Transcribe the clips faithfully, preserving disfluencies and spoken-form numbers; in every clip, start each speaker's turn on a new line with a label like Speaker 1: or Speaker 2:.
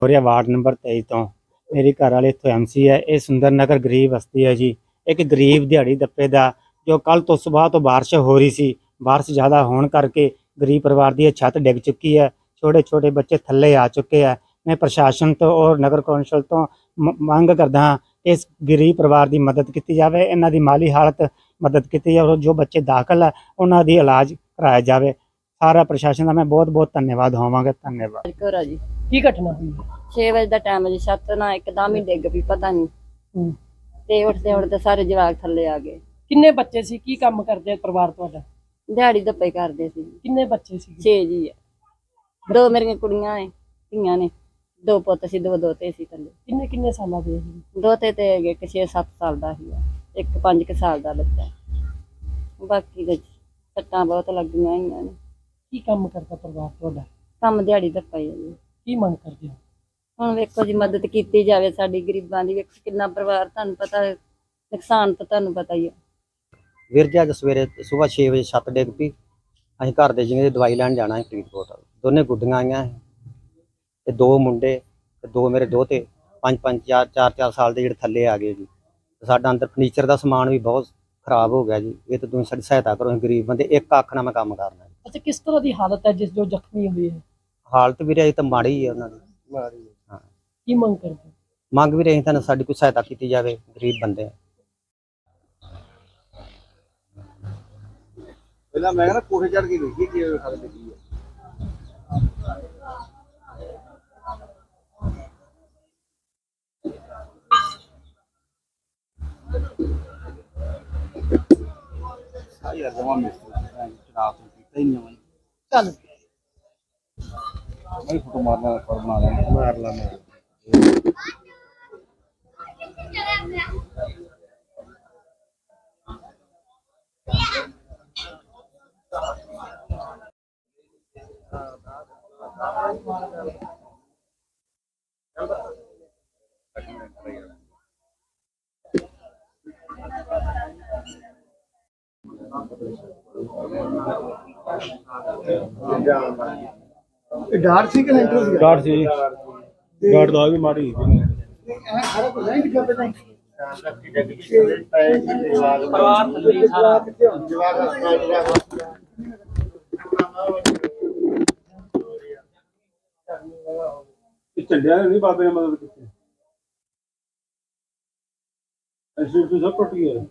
Speaker 1: ਹੋਰਿਆ ward number तेईस ਤੋਂ ਮੇਰੀ ਘਰ ਵਾਲੀ ਇੱਥੋਂ ਐਮਸੀ ਹੈ। ਇਹ ਸੁੰਦਰ ਨਗਰ ਗਰੀਬ ਬਸਤੀ ਹੈ ਜੀ। ਇੱਕ ਗਰੀਬ ਦਿਹਾੜੀ ਦੱਪੇ ਦਾ ਜੋ ਕੱਲ ਤੋਂ ਸਵੇਰ ਤੋਂ ਬਾਰਿਸ਼ ਹੋ ਰਹੀ ਸੀ, ਬਾਰਿਸ਼ ਜ਼ਿਆਦਾ ਹੋਣ ਕਰਕੇ ਗਰੀਬ ਪਰਿਵਾਰ ਦੀ ਇਹ ਛੱਤ ਡਿੱਗ ਚੁੱਕੀ ਹੈ। ਛੋਟੇ ਛੋਟੇ ਬੱਚੇ ਥੱਲੇ ਆ ਚੁੱਕੇ ਹੈ। ਮੈਂ ਪ੍ਰਸ਼ਾਸਨ ਤੋਂ ਔਰ ਨਗਰ ਕੌਂਸਲ ਤੋਂ ਮ- ਮੰਗ ਕਰਦਾ ਹਾਂ ਕਿ ਇਸ ਗਰੀਬ ਪਰਿਵਾਰ ਦੀ ਮਦਦ ਕੀਤੀ ਜਾਵੇ, ਇਹਨਾਂ ਦੀ ਮਾਲੀ ਹਾਲਤ ਮਦਦ ਕੀਤੀ ਜਾਵੇ। ਜੋ ਬੱਚੇ ਦਾਖਲ ਹੈ ਉਹਨਾਂ ਦੀ ਇਲਾਜ ਕਰਾਇਆ ਜਾਵੇ। ਸਾਰਾ ਪ੍ਰਸ਼ਾਸਨ ਦਾ ਮੈਂ ਬਹੁਤ ਬਹੁਤ ਧੰਨਵਾਦ ਹੋਵਾਂਗਾ। ਧੰਨਵਾਦ।
Speaker 2: ਘਰ ਜੀ
Speaker 3: ਕੀ ਘਟਨਾ ਹੋਈ ਹੈ?
Speaker 2: ਛੇ ਵਜੇ ਦਾ ਟਾਈਮ ਜੀ, ਛੱਤ ਨਾ ਇੱਕਦਮ ਹੀ ਡਿੱਗ ਪਈ, ਪਤਾ ਨਹੀਂ।
Speaker 3: ਹੂੰ।
Speaker 2: ਤੇ ਉੱਠਦੇ ਉੱਠਦੇ ਸਾਰੇ ਜਵਾਕ ਥੱਲੇ ਆ ਗਏ।
Speaker 3: ਕਿੰਨੇ ਬੱਚੇ ਸੀ? ਕੀ ਕੰਮ ਕਰਦੇ ਆ ਪਰਿਵਾਰ ਤੁਹਾਡਾ?
Speaker 2: ਦਿਹਾੜੀ ਦੱਪੇ ਕਰਦੇ ਸੀ।
Speaker 3: ਕਿੰਨੇ ਬੱਚੇ ਸੀ?
Speaker 2: ਛੇ ਜੀ ਆ। ਦੋ ਮੇਰੀਆਂ ਕੁੜੀਆਂ ਨੇ, ਧੀਆਂ ਨੇ, ਦੋ ਪੁੱਤ ਸੀ, ਦੋ ਦੋਤੇ ਸੀ ਥੱਲੇ।
Speaker 3: ਕਿੰਨੇ ਕਿੰਨੇ ਸਾਲਾਂ ਦੇ ਸੀ?
Speaker 2: ਦੋਤੇ ਤੇ ਇੱਕ ਛੇ ਸੱਤ ਸਾਲ ਦਾ ਸੀ, ਇੱਕ ਪੰਜ ਕੁ ਸਾਲ ਦਾ ਬੱਚਾ। ਬਾਕੀ ਦੇ ਸੱਟਾਂ ਬਹੁਤ ਲੱਗੀਆਂ ਹੋਈਆਂ ਨੇ।
Speaker 3: ਕੀ ਕੰਮ ਕਰਦਾ ਪਰਿਵਾਰ ਤੁਹਾਡਾ?
Speaker 2: ਕੰਮ ਦਿਹਾੜੀ ਦੱਪਾ ਹੀ ਆ ਜੀ।
Speaker 3: ਕੀ ਮੰਗ ਕਰਦੇ ਹੋ?
Speaker 2: ਹੁਣ ਵੇਖੋ ਜੀ, ਮਦਦ ਕੀਤੀ ਜਾਵੇ ਸਾਡੀ ਗਰੀਬਾਂ ਦੀ। ਵੇਖੋ ਕਿੰਨਾ ਪਰਿਵਾਰ, ਤੁਹਾਨੂੰ ਪਤਾ ਨੁਕਸਾਨ ਤਾਂ ਤੁਹਾਨੂੰ ਪਤਾ ਹੀ ਆ।
Speaker 4: ਵੀਰ ਜੀ ਅੱਜ ਸਵੇਰੇ ਸਵੇਰ ਛੇ ਵਜੇ ਛੱਤ ਡਿੱਗ ਪਈ। ਅਸੀਂ ਘਰ ਦੇ ਜਿਵੇਂ ਦਵਾਈ ਲੈਣ ਜਾਣਾ ਹੈ ਫਰੀਦਕੋਟ। ਦੋਨੇ ਗੁੱਡੀਆਂ ਆਈਆਂ ਤੇ ਦੋ ਮੁੰਡੇ ਤੇ ਦੋ ਮੇਰੇ ਦੋਤੇ, ਪੰਜ ਪੰਜ ਚਾਰ ਚਾਰ ਚਾਰ ਸਾਲ ਦੇ ਜਿਹੜੇ ਥੱਲੇ ਆ ਗਏ ਜੀ। ਸਾਡਾ ਅੰਦਰ ਫਰਨੀਚਰ ਦਾ ਸਮਾਨ ਵੀ ਬਹੁਤ ਖਰਾਬ ਹੋ ਗਿਆ ਜੀ। ਇਹ ਤਾਂ ਤੁਸੀਂ ਸਾਡੀ ਸਹਾਇਤਾ ਕਰੋ, ਅਸੀਂ ਗਰੀਬ ਬੰਦੇ, ਇੱਕ ਅੱਖ ਨਾਲ ਮੈਂ ਕੰਮ ਕਰਨਾ।
Speaker 3: ਅੱਛਾ, ਕਿਸ ਤਰ੍ਹਾਂ ਦੀ ਹਾਲਤ ਹੈ ਜਿਸ ਜੋ ਜ਼ਖਮੀ ਹੋਏ ਹੈ?
Speaker 4: ਹਾਲਤ ਵੀਰੇ ਅਜੇ ਤਾਂ ਮਾੜੀ ਹੀ ਹੈ ਉਹਨਾਂ ਦੀ। ਹਾਂ,
Speaker 3: ਕੀ ਮੰਗ ਕਰਦੇ ਹੋ?
Speaker 4: ਮੰਗ ਵੀ ਰਹੀ ਤੁਹਾਨੂੰ ਸਾਡੀ ਕੋਈ ਸਹਾਇਤਾ ਕੀਤੀ ਜਾਵੇ, ਗਰੀਬ ਬੰਦੇ ਆ।
Speaker 5: ਪਹਿਲਾਂ ਮੈਂ ਕਹਿੰਦਾ ਕੋਠੇ ਚੜ ਕੇ ਵੇਖੀ ਕੀ ਹਾਲਤ ਕੀ ਹੈ। ਆ ਯਾਰ ਜਮਾ ਮਿਸਤਰੀ ਸ਼ਰਾਬ ਪੀਤਾ ਹੀ ਨਹੀਂ।
Speaker 3: ਚੱਲ
Speaker 5: ਮੈਂ ਫੋਟੋ ਮਾਰਨਾ ਕਰਨਾ ਲੈਣਾ ਮਾਰ ਲਾ ਮੈਂ।
Speaker 6: ਡਾਰ ਸੀ ਕਿ ਲੈਂਟਰ ਸੀ?
Speaker 1: ਡਾਟ ਸੀ ਡਾਟ ਦਾ ਵੀ ਮਾੜੀ
Speaker 6: ਇਹ ਸਾਰਾ ਕੁਝ ਨਹੀਂ ਦਿਖਾ ਪਤਾ
Speaker 3: ਪਰਿਵਾਰ ਥੱਲੇ ਸਾਰਾ।
Speaker 5: ਝੰਡਿਆਂ ਨੇ ਨਹੀਂ ਬਾਬੇ ਨੇ ਮਦਦ ਕੀਤੀ। ਅਸੀਂ ਤੋਂ ਸਭ ਟੁੱਟ ਗਿਆ।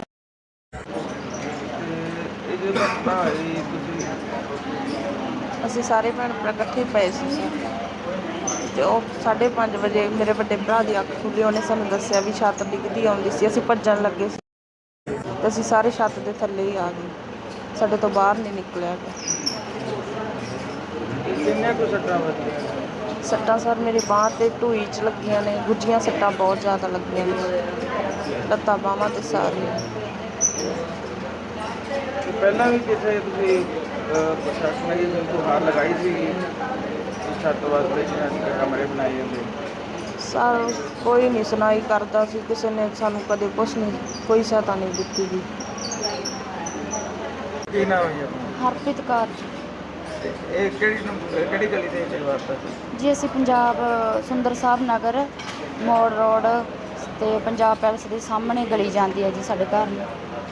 Speaker 7: ਅਸੀਂ ਸਾਰੇ ਭੈਣ ਭਰਾ ਇਕੱਠੇ ਪਏ ਸੀ ਤੇ ਉਹ ਸਾਢੇ ਪੰਜ ਵਜੇ ਮੇਰੇ ਵੱਡੇ ਭਰਾ ਦੀ ਅੱਖ ਖੁੱਲੀ। ਉਹਨੇ ਸਾਨੂੰ ਦੱਸਿਆ ਵੀ ਛੱਤ ਡਿੱਗਦੀ ਆਉਂਦੀ ਸੀ। ਅਸੀਂ ਭੱਜਣ ਲੱਗੇ ਸੀ ਤੇ ਅਸੀਂ ਸਾਰੇ ਛੱਤ ਦੇ ਥੱਲੇ ਹੀ ਆ ਗਏ। ਸਾਡੇ ਤੋਂ ਬਾਹਰ ਨਹੀਂ ਨਿਕਲਿਆ ਗਿਆ।
Speaker 5: ਕਿੰਨੇ ਕੁ ਸੱਟਾਂ ਵੱਜੀਆਂ?
Speaker 7: ਸੱਟਾਂ ਸਰ ਮੇਰੀ ਬਾਂਹ ਤੇ ਢੂਈ 'ਚ ਲੱਗੀਆਂ ਨੇ, ਗੁੱਝੀਆਂ ਸੱਟਾਂ ਬਹੁਤ ਜ਼ਿਆਦਾ ਲੱਗੀਆਂ ਨੇ, ਲੱਤਾਂ ਬਾਹਾਂ ਤੇ ਸਾਰੇ।
Speaker 5: ਪਹਿਲਾਂ ਵੀ ਕਿਸੇ ਤੁਸੀਂ ਪ੍ਰਸ਼ਾਸਨ ਨੇ ਗੁਹਾਰ ਲਗਾਈ ਸੀ ਛੱਤ ਵਾਸਤੇ ਕਮਰੇ ਬਣਾਏ ਜਾਂਦੇ?
Speaker 7: ਸਰ ਕੋਈ ਨਹੀਂ ਸੁਣਾਈ ਕਰਦਾ ਸੀ। ਕਿਸੇ ਨੇ ਸਾਨੂੰ ਕਦੇ ਕੁਛ ਨਹੀਂ, ਕੋਈ ਸਹਾਇਤਾ ਨਹੀਂ ਦਿੱਤੀ ਗਈ।
Speaker 5: ਕੀ ਨਾਮ ਹੈ ਆਪਣਾ?
Speaker 7: ਹਰਪ੍ਰੀਤ ਕੌਰ ਜੀ।
Speaker 5: ਇਹ ਕਿਹੜੀ ਨੰਬਰ- ਕਿਹੜੀ ਗਲੀ ਦੇ ਵਿੱਚ ਵਾਰਤਾ ਸੀ?
Speaker 7: ਜੀ ਅਸੀਂ ਪੰਜਾਬ ਸੁੰਦਰ ਸਾਹਿਬ ਨਗਰ ਮੋੜ ਰੋਡ ਤੇ ਪੰਜਾਬ ਪੈਲਸ ਦੇ ਸਾਹਮਣੇ ਗਲੀ ਜਾਂਦੀ ਹੈ ਜੀ ਸਾਡੇ ਘਰ ਨੂੰ।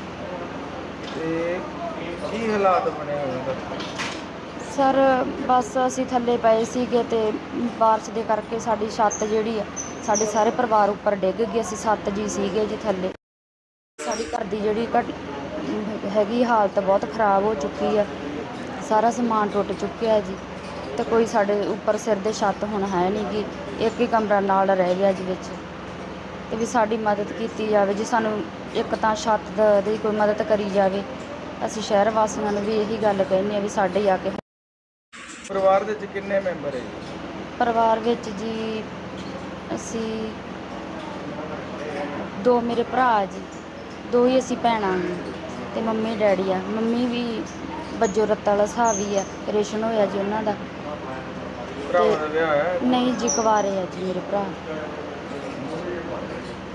Speaker 5: ਤੇ ਕੀ ਹਾਲਾਤ ਬਣੇ ਹੋਏ ਨੇ?
Speaker 7: ਸਰ ਬਸ ਅਸੀਂ ਥੱਲੇ ਪਏ ਸੀਗੇ ਤੇ ਬਾਰਿਸ਼ ਦੇ ਕਰਕੇ ਸਾਡੀ ਛੱਤ ਜਿਹੜੀ ਆ ਸਾਡੇ ਸਾਰੇ ਪਰਿਵਾਰ ਉੱਪਰ ਡਿੱਗ ਗਈ। ਅਸੀਂ ਸੱਤ ਜੀ ਸੀਗੇ ਜੀ ਥੱਲੇ। ਸਾਡੀ ਘਰ ਦੀ ਜਿਹੜੀ ਘਟ ਹੈਗੀ ਹਾਲਤ ਬਹੁਤ ਖ਼ਰਾਬ ਹੋ ਚੁੱਕੀ ਆ। ਸਾਰਾ ਸਮਾਨ ਟੁੱਟ ਚੁੱਕਿਆ ਜੀ ਤੇ ਕੋਈ ਸਾਡੇ ਉੱਪਰ ਸਿਰ ਦੇ ਛੱਤ ਹੁਣ ਹੈ ਨਹੀਂ ਗੀ। ਇੱਕ ਹੀ ਕਮਰਾ ਨਾਲ ਰਹਿ ਗਿਆ ਜੀ ਵਿੱਚ। ਤੇ ਵੀ ਸਾਡੀ ਮਦਦ ਕੀਤੀ ਜਾਵੇ ਜੀ। ਸਾਨੂੰ ਇੱਕ ਤਾਂ ਛੱਤ ਦਾ- ਦੀ ਕੋਈ ਮਦਦ ਕਰੀ ਜਾਵੇ। ਅਸੀਂ ਸ਼ਹਿਰ ਵਾਸੀਆਂ ਨੂੰ ਵੀ ਇਹੀ ਗੱਲ ਕਹਿੰਦੇ ਆ ਵੀ ਸਾਡੇ ਆ ਕੇ।
Speaker 5: ਪਰਿਵਾਰ ਦੇ ਵਿੱਚ ਕਿੰਨੇ ਮੈਂਬਰ ਹੈ?
Speaker 7: ਪਰਿਵਾਰ ਵਿੱਚ ਜੀ ਅਸੀਂ ਦੋ ਮੇਰੇ ਭਰਾ ਜੀ, ਦੋ ਹੀ ਅਸੀਂ ਭੈਣਾਂ ਨੇ ਤੇ ਮੰਮੀ ਡੈਡੀ ਆ। ਮੰਮੀ ਵੀ ਬੱਜੋ ਰੱਤਾ ਵਾਲਾ ਹਿਸਾਬ ਹੀ ਆ, ਆਪਰੇਸ਼ਨ ਹੋਇਆ ਜੀ ਉਹਨਾਂ ਦਾ।
Speaker 5: ਭਰਾਵਾਂ ਦਾ ਵਿਆਹ ਹੋਇਆ?
Speaker 7: ਨਹੀਂ ਜੀ, ਕੁਆਰੇ ਆ ਜੀ ਮੇਰੇ ਭਰਾ।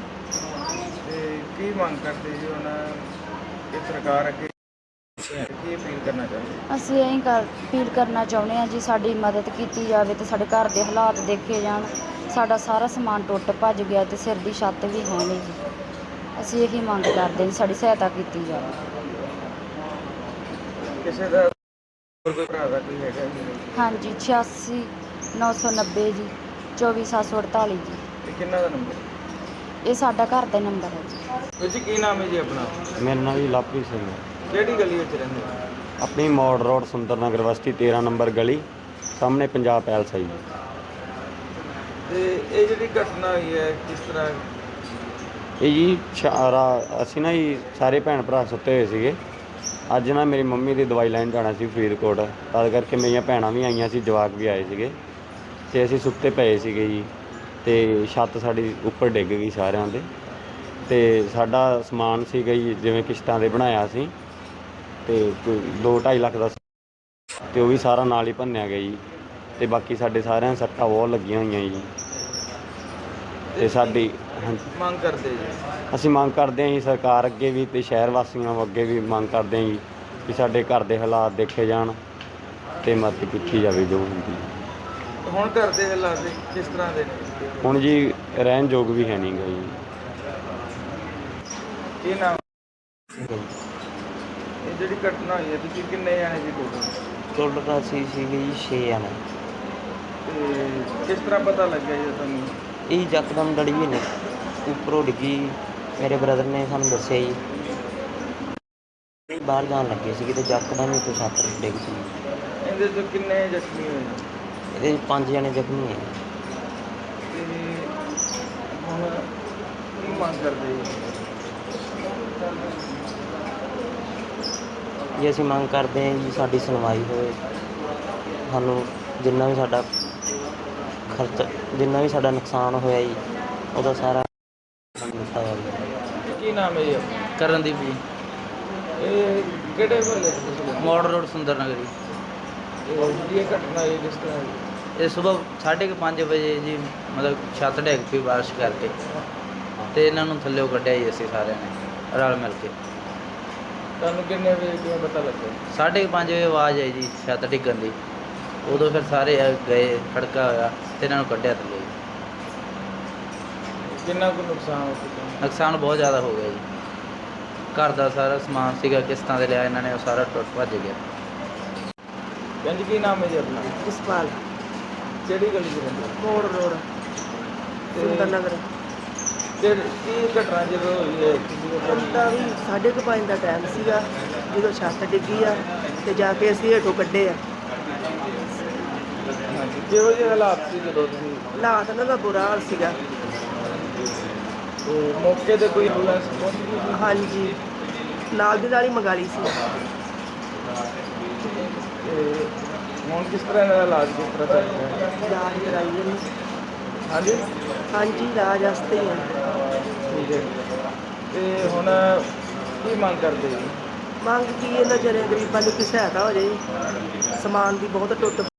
Speaker 5: ਤੇ ਕੀ ਮੰਗ ਕਰਦੇ ਜੀ ਹੁਣ ਇਹ ਸਰਕਾਰ ਅੱਗੇ ਕੀ ਕੀ ਅਪੀਲ ਕਰਨਾ ਚਾਹੁੰਦੇ?
Speaker 7: ਅਸੀਂ ਇਹੀ ਕਰ ਅਪੀਲ ਕਰਨਾ ਚਾਹੁੰਦੇ ਹਾਂ ਜੀ, ਸਾਡੀ ਮਦਦ ਕੀਤੀ ਜਾਵੇ ਤੇ ਸਾਡੇ ਘਰ ਦੇ ਹਾਲਾਤ ਦੇਖੇ ਜਾਣ। ਸਾਡਾ ਸਾਰਾ ਸਮਾਨ ਟੁੱਟ ਭੱਜ ਗਿਆ ਤੇ ਸਿਰ ਦੀ ਛੱਤ ਵੀ ਹੈ ਨਹੀਂ ਜੀ। ਅਸੀਂ ਇਹੀ ਮੰਗ ਕਰਦੇ ਜੀ, ਸਾਡੀ ਸਹਾਇਤਾ ਕੀਤੀ ਜਾਵੇ।
Speaker 5: ਕਿਸੇ ਦਾ ਹੋਰ ਕੋਈ ਭਰਾ ਦਾ ਕੋਈ ਹੈਗਾ ਜੀ?
Speaker 7: ਹਾਂਜੀ, ਛਿਆਸੀ ਨੌ ਸੌ ਨੱਬੇ ਜੀ, ਚੌਵੀ ਸੱਤ ਸੌ ਅੜਤਾਲੀ ਜੀ।
Speaker 5: ਇਹ ਕਿੰਨਾ ਦਾ ਨੰਬਰ?
Speaker 7: ਇਹ ਸਾਡਾ ਘਰ ਦਾ ਨੰਬਰ ਹੈ ਜੀ।
Speaker 5: ਵੀਰ ਜੀ ਕੀ ਨਾਮ ਹੈ ਜੀ ਆਪਣਾ?
Speaker 8: ਮੇਰਾ ਨਾਮ ਜੀ ਲਵਪ੍ਰੀਤ ਸਿੰਘ ਹੈ।
Speaker 5: ਕਿਹੜੀ ਗਲੀ ਵਿੱਚ ਰਹਿੰਦੇ ਹੋ?
Speaker 8: ਆਪਣੀ ਮੋੜ ਰੋਡ ਸੁੰਦਰ ਨਗਰ ਬਸਤੀ ਤੇਰਾਂ ਨੰਬਰ ਗਲੀ ਸਾਹਮਣੇ ਪੰਜਾਬ ਪੈਲਸ ਹੈ ਜੀ।
Speaker 5: ਤੇ ਇਹ ਜਿਹੜੀ ਘਟਨਾ ਹੋਈ ਹੈ ਕਿਸ ਤਰ੍ਹਾਂ?
Speaker 8: ਇਹ ਜੀ ਸ਼ਾ- ਰਾ- ਅਸੀਂ ਨਾ ਜੀ ਸਾਰੇ ਭੈਣ ਭਰਾ ਸੁੱਤੇ ਹੋਏ ਸੀਗੇ। ਅੱਜ ਨਾ ਮੇਰੀ ਮੰਮੀ ਦੀ ਦਵਾਈ ਲੈਣ ਜਾਣਾ ਸੀ ਫਰੀਦਕੋਟ, ਤਦ ਕਰਕੇ ਮੇਰੀਆਂ ਭੈਣਾਂ ਵੀ ਆਈਆਂ ਸੀ, ਜਵਾਕ ਵੀ ਆਏ ਸੀਗੇ ਅਤੇ ਅਸੀਂ ਸੁੱਤੇ ਪਏ ਸੀਗੇ ਜੀ। ਅਤੇ ਛੱਤ ਸਾਡੀ ਉੱਪਰ ਡਿੱਗ ਗਈ ਸਾਰਿਆਂ ਦੇ, ਅਤੇ ਸਾਡਾ ਸਮਾਨ ਸੀਗਾ ਜੀ ਜਿਵੇਂ ਕਿਸ਼ਤਾਂ 'ਤੇ ਬਣਾਇਆ ਸੀ, ਅਤੇ ਕੋਈ ਦੋ ਢਾਈ ਲੱਖ ਦਾ, ਅਤੇ ਉਹ ਵੀ ਸਾਰਾ ਨਾਲ ਹੀ ਭੰਨਿਆ ਗਿਆ ਜੀ। ਅਤੇ ਬਾਕੀ ਸਾਡੇ ਸਾਰਿਆਂ ਨੂੰ ਸੱਟਾਂ ਬਹੁਤ ਲੱਗੀਆਂ ਹੋਈਆਂ ਜੀ। ਅਤੇ ਸਾਡੀ ਹਾਂਜੀ
Speaker 5: ਮੰਗ ਕਰਦੇ ਜੀ?
Speaker 8: ਅਸੀਂ ਮੰਗ ਕਰਦੇ ਹਾਂ ਜੀ ਸਰਕਾਰ ਅੱਗੇ ਵੀ ਅਤੇ ਸ਼ਹਿਰ ਵਾਸੀਆਂ ਅੱਗੇ ਵੀ ਮੰਗ ਕਰਦੇ ਹਾਂ ਜੀ ਕਿ ਸਾਡੇ ਘਰ ਦੇ ਹਾਲਾਤ ਦੇਖੇ ਜਾਣ ਅਤੇ ਮਦਦ ਕੀਤੀ ਜਾਵੇ ਜੋ ਹੁੰਦੀ।
Speaker 5: ਹੁਣ ਘਰ ਦੇ ਹਾਲਾਤ ਕਿਸ ਤਰ੍ਹਾਂ ਦੇ ਨੇ?
Speaker 8: ਹੁਣ ਜੀ ਰਹਿਣ ਯੋਗ ਵੀ ਹੈ ਨਹੀਂ ਗਾ ਜੀ।
Speaker 5: ਕੀ ਨਾਮ? ਇਹ ਜਿਹੜੀ ਘਟਨਾ ਹੋਈ ਹੈ ਤੁਸੀਂ ਕਿੰਨੇ ਜਾਣੇ ਜੀ ਟੋਟਲ?
Speaker 4: ਟੋਟਲ ਅਸੀਂ ਸੀਗੇ ਜੀ ਛੇ ਜਣੇ।
Speaker 5: ਤੇ ਕਿਸ ਤਰ੍ਹਾਂ ਪਤਾ ਲੱਗਿਆ ਜੀ ਤੁਹਾਨੂੰ?
Speaker 4: ਇਹ ਯਕਦਮ ਡੜੀ ਨੇ ਉੱਪਰੋਂ ਡਿੱਗੀ, ਮੇਰੇ ਬ੍ਰਦਰ ਨੇ ਸਾਨੂੰ ਦੱਸਿਆ ਜੀ। ਬਾਹਰ ਜਾਣ ਲੱਗੇ ਸੀਗੇ ਤੇ ਯਕਦਮ ਹੀ ਤੋਂ ਛੱਤ ਡਿੱਗ ਪਈ।
Speaker 5: ਇਹਦੇ ਤੋਂ ਕਿੰਨੇ ਜ਼ਖਮੀ ਹੋਏ?
Speaker 4: ਇਹਦੇ ਪੰਜ ਜਣੇ ਜ਼ਖਮੀ ਹੈ।
Speaker 5: ਤੇ ਹੁਣ ਕੀ ਮੰਗ ਕਰਦੇ ਜੀ?
Speaker 4: ਜੀ ਅਸੀਂ ਮੰਗ ਕਰਦੇ ਹਾਂ ਜੀ ਸਾਡੀ ਸੁਣਵਾਈ ਹੋਵੇ, ਸਾਨੂੰ ਜਿੰਨਾ ਵੀ ਸਾਡਾ ਖਰਚਾ, ਜਿੰਨਾ ਵੀ ਸਾਡਾ ਨੁਕਸਾਨ ਹੋਇਆ ਜੀ ਉਹਦਾ ਸਾਰਾ ਦਿੱਤਾ ਜਾਵੇ।
Speaker 5: ਕੀ ਨਾਮ ਹੈ ਜੀ ਆਪਣਾ?
Speaker 9: ਕਰਨਦੀਪ ਜੀ,
Speaker 5: ਇਹ ਕਿਹੜੇ ਮਹੱਲੇ ਤੋਂ ਤੁਸੀਂ?
Speaker 9: ਮੋੜ ਰੋਡ ਸੁੰਦਰ ਨਗਰ ਜੀ।
Speaker 5: ਇਹ ਇਹ ਘਟਨਾ ਇਹ ਕਿਸ ਤਰ੍ਹਾਂ ਹੋਈ?
Speaker 9: ਇਹ ਸਵੇਰ ਸਾਢੇ ਕੁ ਪੰਜ ਵਜੇ ਜੀ, ਮਤਲਬ ਛੱਤ ਡਿੱਗ ਪਈ ਬਾਰਿਸ਼ ਕਰਕੇ, ਅਤੇ ਇਹਨਾਂ ਨੂੰ ਥੱਲਿਓ ਕੱਢਿਆ ਜੀ ਅਸੀਂ ਸਾਰਿਆਂ ਨੇ ਰਲ ਮਿਲ ਕੇ।
Speaker 5: ਤੁਹਾਨੂੰ ਕਿੰਨੇ ਵਜੇ ਕਿਵੇਂ ਪਤਾ ਲੱਗਿਆ?
Speaker 9: ਸਾਢੇ ਕੁ ਪੰਜ ਵਜੇ ਆਵਾਜ਼ ਆਈ ਜੀ ਛੱਤ ਡਿੱਗਣ ਦੀ, ਉਦੋਂ ਫਿਰ ਸਾਰੇ ਗਏ, ਖੜਕਾ ਹੋਇਆ ਅਤੇ ਇਹਨਾਂ ਨੂੰ ਕੱਢਿਆ ਥੱਲੇ ਜੀ।
Speaker 5: ਕਿੰਨਾ ਕੁ ਨੁਕਸਾਨ ਹੋ ਚੁੱਕਾ?
Speaker 9: ਨੁਕਸਾਨ ਬਹੁਤ ਜ਼ਿਆਦਾ ਹੋ ਗਿਆ ਜੀ। ਘਰ ਦਾ ਸਾਰਾ ਸਮਾਨ ਸੀਗਾ ਕਿਸ਼ਤਾਂ 'ਤੇ ਲਿਆ ਇਹਨਾਂ ਨੇ, ਉਹ ਸਾਰਾ ਟੁੱਟ ਭੱਜ ਗਿਆ।
Speaker 5: ਭੈਣ ਜੀ ਕੀ ਨਾਮ ਹੈ ਜੀ ਆਪਣਾ?
Speaker 3: ਜਸਪਾਲ,
Speaker 5: ਕਿਹੜੀ ਗਲੀ 'ਚ ਰਹਿੰਦੇ ਹੋ?
Speaker 3: ਮੋੜ ਰੋਡ, ਸੁੰਦਰ ਨਗਰ।
Speaker 5: ਤੇ ਕੀ ਘਟਨਾ ਜਦੋਂ ਹੋਈ ਹੈ ਤੁਸੀਂ ਉਹ
Speaker 3: ਘੰਟਾ ਵੀ ਸਾਢੇ ਕੁ ਪੰਜ ਦਾ ਟਾਈਮ ਸੀਗਾ ਜਦੋਂ ਛੱਤ ਡਿੱਗੀ ਆ ਤੇ ਜਾ ਕੇ ਅਸੀਂ ਹੇਠੋਂ ਕੱਢੇ ਆ।
Speaker 5: ਹਾਂਜੀ, ਕਿਹੋ ਜਿਹੇ ਹਾਲਾਤ ਸੀ ਜਦੋਂ ਤੁਸੀਂ?
Speaker 3: ਹਾਲਾਤ ਇਹਨਾਂ ਦਾ ਬੁਰਾ ਹਾਲ ਸੀਗਾ।
Speaker 5: ਤੇ ਮੌਕੇ ਤੇ ਕੋਈ ਐਂਬੂਲੈਂਸ ਪਹੁੰਚ ਗਈ ਸੀ?
Speaker 3: ਹਾਂਜੀ, ਨਾਲ ਦੀ ਨਾਲ ਹੀ ਮੰਗਾ ਲਈ ਸੀ।
Speaker 5: ਤੇ ਹੁਣ ਕਿਸ ਤਰ੍ਹਾਂ ਦਾ ਇਲਾਜ ਕਿਸ ਤਰ੍ਹਾਂ ਚੱਲ ਰਿਹਾ ਹੈ?
Speaker 3: ਇਲਾਜ ਕਰਾਈ ਇਹਨੂੰ।
Speaker 5: ਹਾਂਜੀ
Speaker 3: ਹਾਂਜੀ, ਇਲਾਜ ਵਾਸਤੇ ਹੀ ਆ।
Speaker 5: ਠੀਕ ਹੈ। ਤੇ ਹੁਣ ਕੀ ਮੰਗ ਕਰਦੇ ਜੀ?
Speaker 3: ਮੰਗ ਕੀ ਇਹਨਾਂ ਜਿਹੜੇ ਗਰੀਬਾਂ ਨੂੰ ਕੋਈ ਸਹਾਇਤਾ ਹੋ ਜਾਏ, ਸਮਾਨ ਦੀ ਬਹੁਤ ਟੁੱਟ